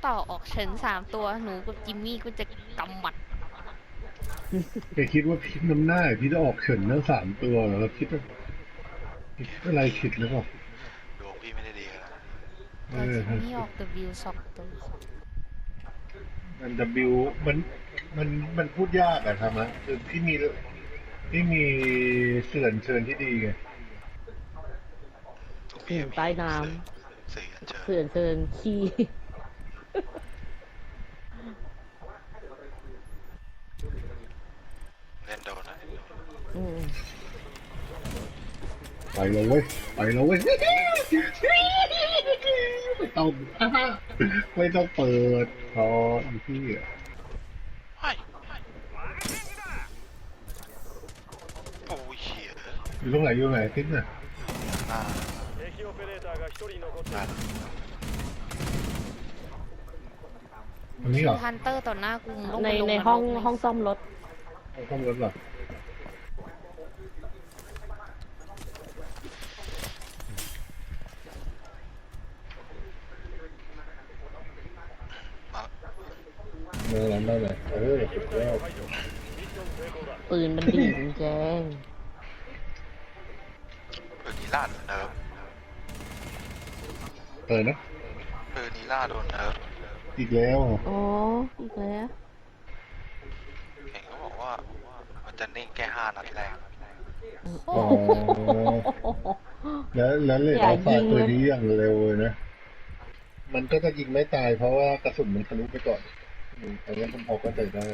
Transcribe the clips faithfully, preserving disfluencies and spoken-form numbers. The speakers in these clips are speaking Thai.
ต่อออกเฉินสามตัวหนูกับจิมมี่ก็จะกำหมัดแกคิดว่าพิษน้ำหน้าพี่จะออกเฉินทั้งสามตัวเหรอเราคิดว่าคิดอะไรผิดหรือเปล่าดวงพี่ไม่ได้ดีขนาดนั้นเอแต่อจิมมี่ออก W สองตัวมัน W มันมันมันพูดยากอะทำไมคือพี่มีพี่มีเสื่อนเชิญที่ดีไงตรงอืพี่มใต้น้สี่อันเชิำญเสื่อนเชิญขี้เล่นโดนนะอืมไปแล้วเว้ยไปแล้วเว้ยไม่ต้องไม่ต้องเปิดพออีพี่อะไอ้โอ้ยเหี้ยอยู่ตรงไหนอยู่ตรงไหนพิษน่ะอ่าอ่าตรงนี้เหรอฮันเตอร์ต่อหน้ากูต้องในไปลงในนรกห้องเลยห้องซ่อมรถเอาข้ามรถเหรอมาเมืองนั้นได้เลยเออสุดยอดปืนมันดีจแจงปืนนีล่าโดนเนิร์ฟเออนะปืนนีล่าโดนเนิร์ฟอีกแล้วอ๋ออีกแล้วเห็นเขาบอกว่ามันจะนิ่งแค่ห้านัดแรกอ๋อแล้วแล้วเลยเอาฟาตัวนี้อย่างเร็วเลยนะ มันก็จะยิงไม่ตายเพราะว่ากระสุนมันทะลุไปก่อนอืมอันนี้ผมพอเข้าใจได้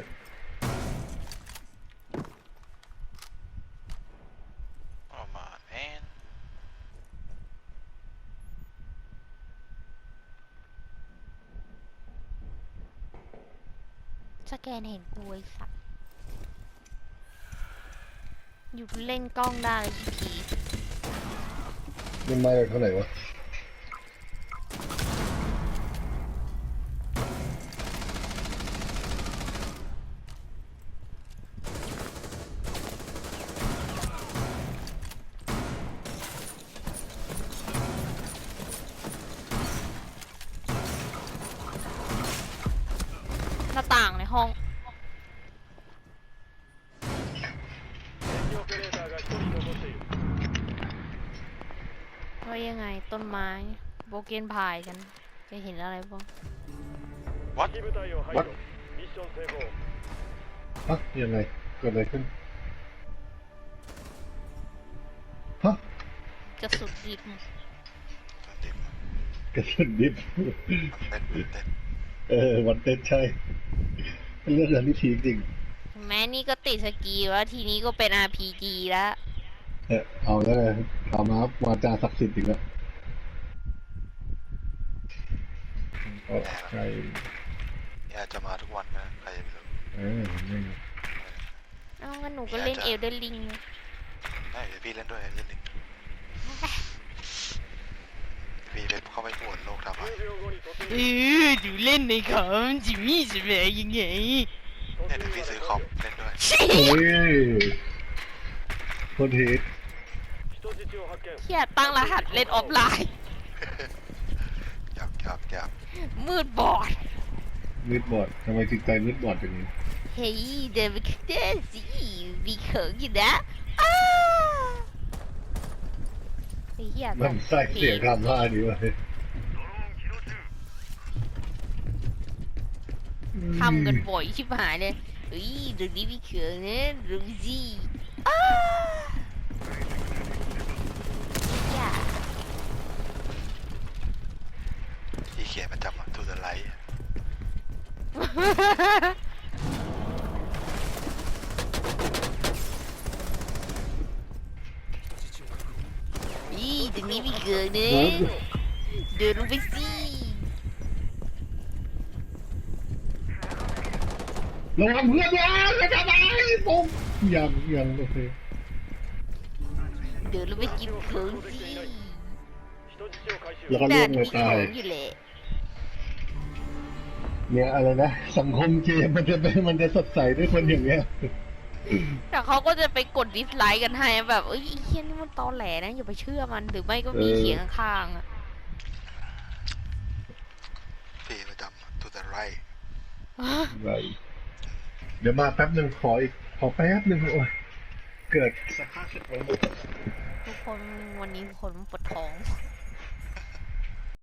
ประมาณแอนสแกนเห็นกูไอ้สัตว์อยู่เล่นกล้องได้เลยพี่มันมาจากเท่าไหร่วะหน้าต่างในห้องว่ายังไงต้นไม้โบเกนพายกันจะเห็นอะไรบ้างวัดวัดฮะยังไงเกิดอะไรขึ้นฮะกระสุนดิบติดกระสุนดิบเต้นเต้นเออวันเต้นใช่เป็นเรื่องอะไรที่พีคจริงแม้นี่ก็ติดสกีแล้วทีนี้ก็เป็น อาร์ พี จี แล้วเออเอาแล้วไงเอามาวาจาศักดิ์สิทธิ์อีกแล้วก็ใช่อยากจะมาทุกวันนะใครจะไปรู้เออไม่เอ้างั้นหนูก็เล่นเอลเดนลิงได้เดี๋ยวพี่เล่นด้วยเล่นหนึ่งพี่เล่นเข้าไปปวดโลกทำไมเออดูเล่นในคอมจิมมี่จะเป็นยังไงเนี่ยเดี๋ยวพี่ซื้อคอมเล่นด้วยโอ้ยคนเฮดเฮียตั้งรหัสเล่นออฟไลน์อยากอยากอยากมืดบอดมืดบอดทำไมจิตใจมืดบอดอย่างนี้เฮ้ยเดินไปข้างหน้าสิมีเขิงอยู่นะอ้าไอ้เหี้ยมันใส่เสียงคำว่านี้ไว้ทำกันบ่อยชิบหายเลยเฮ้ยเรื่องนี้มีเขิงนะเรื่องสิอ้าอย่าที่เขียนประจำอะทูเดอะไลท์อีตรงนี้มีเขิงนะเดินลงไปสิระวังเพื่อนนะอย่าทำอะไรผมยังยังโอเคเดินลงไปกินเขิงสิแล้วก็ล่วงเลยตายเขิงอยู่แหละเนี่ยอะไรนะสังคมเกมมันจะเป็นมันจะสดใสด้วยคนอย่างเงี้ยแต่เขาก็จะไปกดดิสไลค์กันให้แบบเอ้ยไอ้เฮียนี่มันตอแหลนะอย่าไปเชื่อมันหรือไม่ก็มีเขียงข้างๆอะพี่ประจำทูไรเดี๋ยวมาแป๊บหนึ่งขออีกขอแป๊บหนึ่งโอ้ยเกิดสภาพสุดของหมดทุกคนวันนี้คนปวดท้อง